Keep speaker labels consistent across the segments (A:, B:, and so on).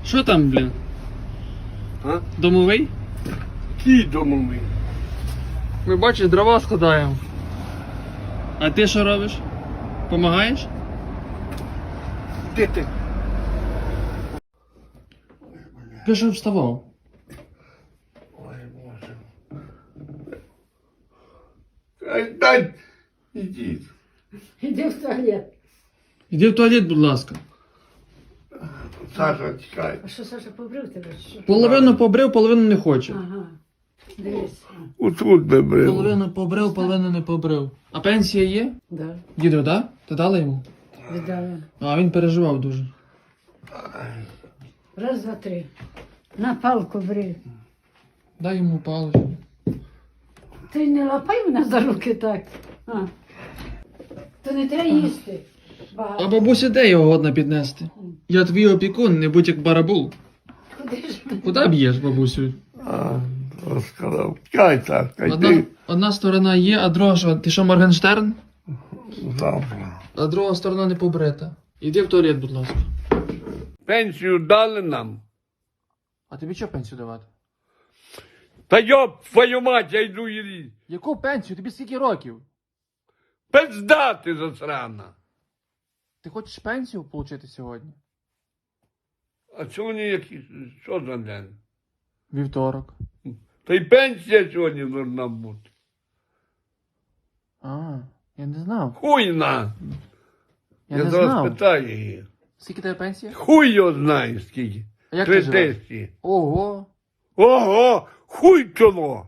A: Що там, блін?
B: А?
A: Домовий?
B: Ті домовий.
A: Ми бачиш, дрова складаємо. А ти що робиш? Помагаєш?
B: Де ти?
A: Ти що вставав?
B: Ой, Боже. Дай, ідіть.
C: Іди в туалет.
A: Іди в туалет, будь ласка.
B: Саша, чекай.
C: А що, Саша, побрив тебе? Що?
A: Половину побрив, половину не хоче.
C: Ага. Дивись.
B: Отут би брив.
A: Половину побрив, половину не побрив. А пенсія є?
C: Да,
A: Діду, да? Ти дала йому?
C: віддала.
A: А він переживав дуже.
C: Раз, два, три. На палку бри.
A: Дай йому паличку.
C: Ти не лапай мене за руки так. А. То не треба їсти.
A: А
C: Багато.
A: бабусі де його годна піднести? Я твій опікун, не будь як барабул.
C: Куди ж ти?
A: Куди б'єш, бабусю?
B: А, розказав. Чекай, Сашка, йди.
A: Одна сторона є, а друга що? Ти що, Моргенштерн?
B: Завтра.
A: А друга сторона не побрита. Іди в туалет, будь ласка.
B: Пенсію дали нам.
A: А тобі що пенсію давати?
B: Та йоп, твою мать, я йду її.
A: Яку пенсію? Тобі скільки років?
B: Пизда ти засрана.
A: Ти хочеш пенсію отримати сьогодні?
B: А сьогодні який, що за день?
A: Вівторок.
B: Та й пенсія сьогодні должна бути.
A: А, я не знав.
B: Хуйна.
A: Я
B: Я
A: не
B: зараз
A: знав.
B: питаю її.
A: Скільки тебе пенсія?
B: Хуй його знає скільки.
A: А як ти
B: 3
A: живеш?
B: тисячі.
A: Ого.
B: Ого, хуй чоло.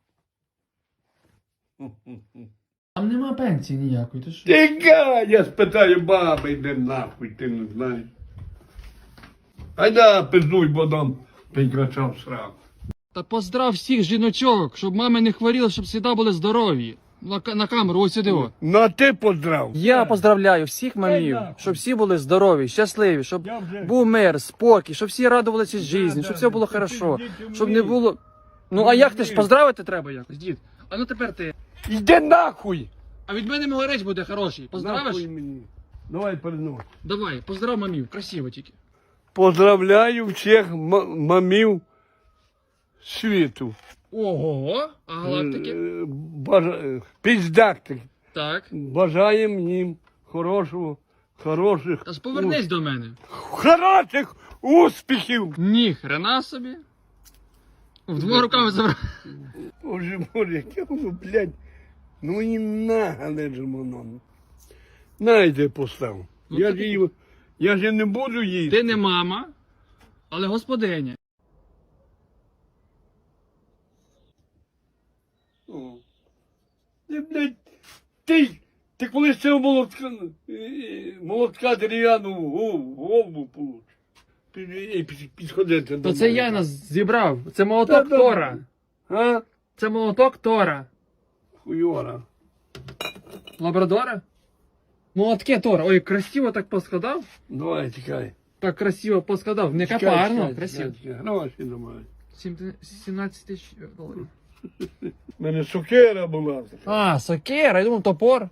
A: Там нема пенсії ніякої, ти що?
B: Тікай, я спитаю баби, йди нахуй, ти не знаєш. Айда, пиздуй, бо дам прикрачав сраку.
A: Та поздрав всіх жіночок, щоб мами не хворіли, щоб завжди були здорові. На камеру, ось сюди. О.
B: Ну а ти поздрав.
A: Я поздравляю всіх мамів,
B: нахуй.
A: щоб всі були здорові, щасливі, щоб
B: Я вже-
A: був мир, спокій, щоб всі радувалися житті, щоб все було хорошо, щоб не було. Ну а як ти ж поздравити треба якось, дід? А ну тепер ти.
B: Йди нахуй.
A: А від мене могорець буде хороший. Поздравиш?
B: Нахуй мені. Давай перенос.
A: Давай, поздрав мамів, красиво тільки.
B: Поздравляю всіх мамів світу.
A: Ого, а галактики?
B: Піздактик.
A: Так.
B: Бажаємо їм хороших,
A: Та ж повернись до мене.
B: хороших успіхів.
A: Ні, хрена собі. Двома руками забрав.
B: Боже, яке воно, блядь. Ну і нагале ж воно. Найде постав.
A: Ну,
B: Я
A: так-
B: ж її, я ж не буду їсти.
A: Ти не мама, але господиня.
B: О. Ти, блядь, ти коли з цього молотка дерев'яну голову получиш. Ти підходити до
A: То це
B: мене.
A: я нас зібрав. Це молоток
B: Та,
A: Тора.
B: А?
A: Це молоток Тора.
B: Хуйора.
A: Лабрадора? Молотки Тора. Ой, красиво так поскладав.
B: Давай, тікай.
A: Так красиво поскладав. Не
B: Чекай,
A: капарно,
B: чекай,
A: красиво.
B: чекай. Гроші немає.
A: 17 тисяч доларів.
B: У мене сокира була.
A: А, сокира, я думав топор.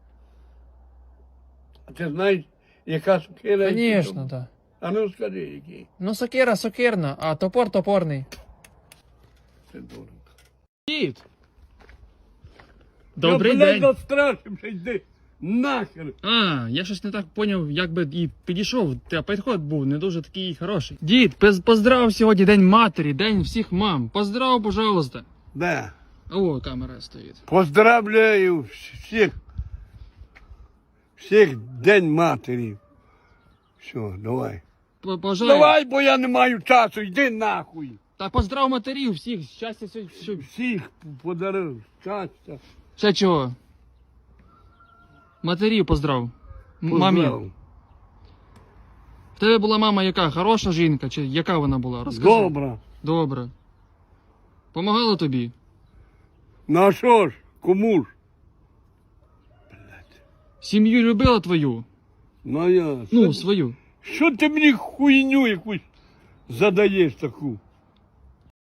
B: А ти знаєш, яка сокира?
A: Звісно, так.
B: А ну скажи, який.
A: Ну сокира сокирна, а топор топорний.
B: Це дурно.
A: Дід! Добрий
B: Я, блядь,
A: день.
B: настрашився, йди нахер.
A: А, я щось не так поняв, як би і підійшов, та підход був не дуже такий хороший. Дід, поздрав сьогодні День матері, День всіх мам. Поздрав, пожалуйста.
B: Да.
A: О, камера стоїть.
B: Поздравляю всіх День матері. Все, давай.
A: Бажаю.
B: Давай, бо я не маю часу, йди нахуй.
A: Та поздрав матерів всіх, щастя, все.
B: Всіх подарив щастя.
A: Ще чого? Матерів поздрав. Мамі.
B: Поздрав.
A: В тебе була мама яка? Хороша жінка? Чи яка вона була? Розкажи.
B: Добре.
A: Добре. Помагала тобі?
B: Ну а що ж, кому ж?
A: Сім'ю любила твою?
B: Ну я.
A: Ну, свою.
B: Що ти мені хуйню якусь задаєш таку?